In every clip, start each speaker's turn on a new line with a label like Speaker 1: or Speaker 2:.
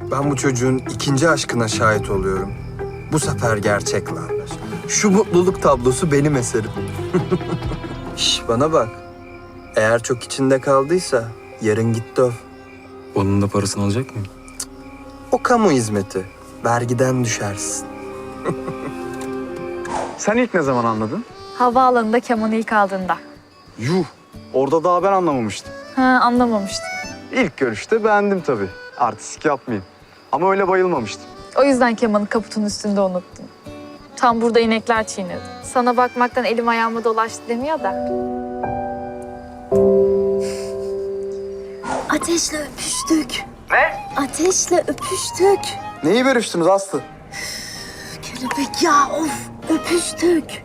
Speaker 1: Ben bu çocuğun ikinci aşkına şahit oluyorum. Bu sefer gerçek lan. Şu mutluluk tablosu benim eserim. Şş, bana bak. Eğer çok içinde kaldıysa yarın git döv.
Speaker 2: Onun da parasını alacak mıyım?
Speaker 1: O kamu hizmeti. Vergiden düşersin.
Speaker 3: Sen ilk ne zaman anladın?
Speaker 4: Havaalanında kemanı ilk aldığında.
Speaker 3: Yuh! Orada daha ben anlamamıştım.
Speaker 4: Ha, anlamamıştım.
Speaker 3: İlk görüşte beğendim tabii. Artistik yapmayayım. Ama öyle bayılmamıştım.
Speaker 4: O yüzden kemanı kaputun üstünde unuttum. Tam burada inekler çiğnedi. Sana bakmaktan elim ayağıma dolaştı demiyor da.
Speaker 5: Ateşle öpüştük. Ne? Ateşle öpüştük.
Speaker 3: Neyi görüştünüz Aslı?
Speaker 5: Kelebek ya of öpüştük.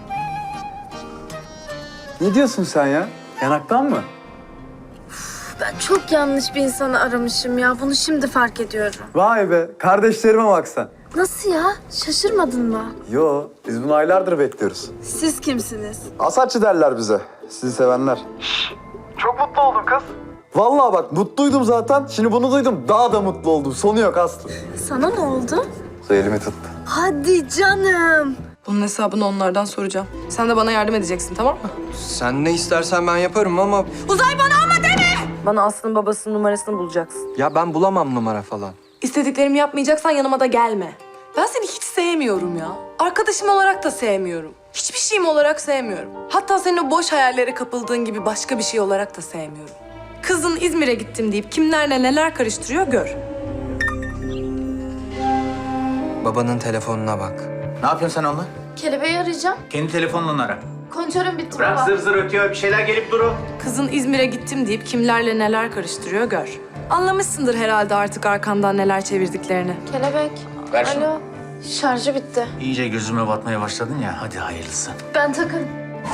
Speaker 3: Ne diyorsun sen ya? Yanaktan mı?
Speaker 5: Ben çok yanlış bir insanı aramışım ya. Bunu şimdi fark ediyorum.
Speaker 3: Vay be, kardeşlerime bak sen.
Speaker 5: Nasıl ya? Şaşırmadın mı?
Speaker 3: Yo, biz bunu aylardır bekliyoruz.
Speaker 5: Siz kimsiniz?
Speaker 3: Asatçı derler bize, sizi sevenler. Çok mutlu oldum kız. Vallahi bak, mutluydum zaten. Şimdi bunu duydum, daha da mutlu oldum. Sonu yok Aslı.
Speaker 5: Sana ne oldu?
Speaker 3: Elimi tuttu.
Speaker 5: Hadi canım.
Speaker 6: Bunun hesabını onlardan soracağım. Sen de bana yardım edeceksin, tamam mı?
Speaker 1: Sen ne istersen ben yaparım ama...
Speaker 6: Bana Aslı'nın babasının numarasını bulacaksın.
Speaker 1: Ya ben bulamam numara falan.
Speaker 6: İstediklerimi yapmayacaksan yanıma da gelme. Ben seni hiç sevmiyorum ya. Arkadaşım olarak da sevmiyorum. Hiçbir şeyim olarak sevmiyorum. Hatta senin o boş hayallere kapıldığın gibi başka bir şey olarak da sevmiyorum. Kızın İzmir'e gittim deyip kimlerle neler karıştırıyor gör.
Speaker 1: Babanın telefonuna bak.
Speaker 7: Ne yapıyorsun sen onunla?
Speaker 5: Kelebeği arayacağım.
Speaker 7: Kendi telefonla ara.
Speaker 5: Kontörüm bitti
Speaker 7: Bırak
Speaker 5: baba.
Speaker 7: zır zır ötüyor, bir şeyler gelip durur.
Speaker 6: Kızın İzmir'e gittim deyip kimlerle neler karıştırıyor gör. Anlamışsındır herhalde artık arkandan neler çevirdiklerini.
Speaker 5: Kelebek.
Speaker 7: Ver şunu.
Speaker 5: Alo. Şarjı bitti.
Speaker 7: İyice gözüme batmaya başladın ya, hadi hayırlısı.
Speaker 5: Ben takarım.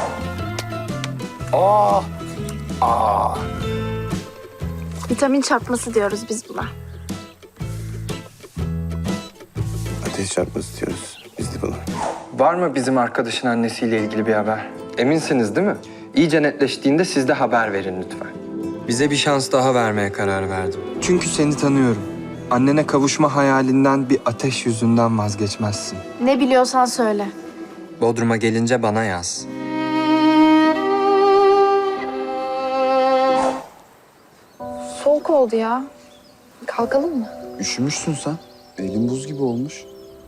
Speaker 5: Vitamin çarpması diyoruz biz buna.
Speaker 8: Ateş çarpması diyoruz biz de buna.
Speaker 1: Var mı bizim arkadaşın annesiyle ilgili bir haber? Eminsiniz değil mi? İyice netleştiğinde siz de haber verin lütfen. Bize bir şans daha vermeye karar verdim. Çünkü seni tanıyorum. Annene kavuşma hayalinden bir ateş yüzünden vazgeçmezsin.
Speaker 5: Ne biliyorsan söyle.
Speaker 1: Bodrum'a gelince bana yaz.
Speaker 4: Soğuk oldu ya. Kalkalım mı?
Speaker 3: Üşümüşsün sen. Elin buz gibi olmuş.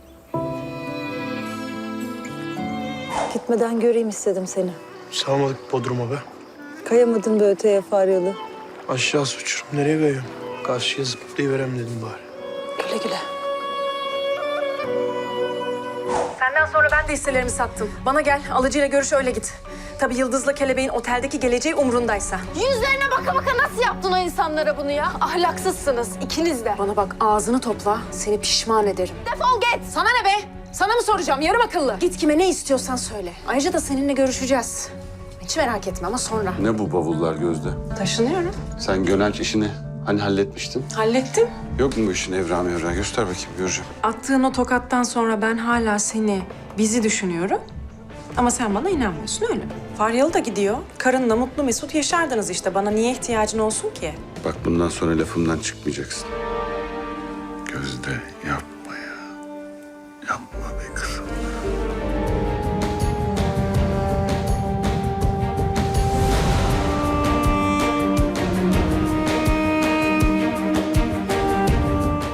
Speaker 9: Gitmeden göreyim istedim seni.
Speaker 10: Salmadık Bodrum'a be.
Speaker 9: Kayamadın be öteye Faryalı.
Speaker 10: Aşağısı uçurum. Nereye kayıyorum? Karşıya zıplayıverem dedim bari.
Speaker 9: Güle güle.
Speaker 6: Senden sonra ben de hisselerimi sattım. Bana gel, alıcıyla görüş öyle git. Tabii Yıldız'la Kelebeğin oteldeki geleceği umrundaysa.
Speaker 5: Yüzlerine baka baka nasıl yaptın o insanlara bunu ya? Ahlaksızsınız ikiniz de.
Speaker 6: Bana bak ağzını topla, seni pişman ederim.
Speaker 5: Defol git.
Speaker 6: Sana ne be? Sana mı soracağım yarım akıllı? Git kime ne istiyorsan söyle. Ayrıca da seninle görüşeceğiz. Hiç merak etme ama sonra.
Speaker 8: Ne bu bavullar Gözde?
Speaker 6: Taşınıyorum.
Speaker 8: Sen Gönenç işini hani halletmiştin?
Speaker 6: Hallettim.
Speaker 8: Yok mu bu işin evra mevra? Göster bakayım göreceğim.
Speaker 6: Attığın o tokattan sonra ben hala seni, bizi düşünüyorum. Ama sen bana inanmıyorsun öyle mi? Faryalı da gidiyor. Karınla mutlu mesut yaşardınız işte. Bana niye ihtiyacın olsun ki?
Speaker 8: Bak bundan sonra lafımdan çıkmayacaksın. Gözde yapma ya. Yapma be kızım.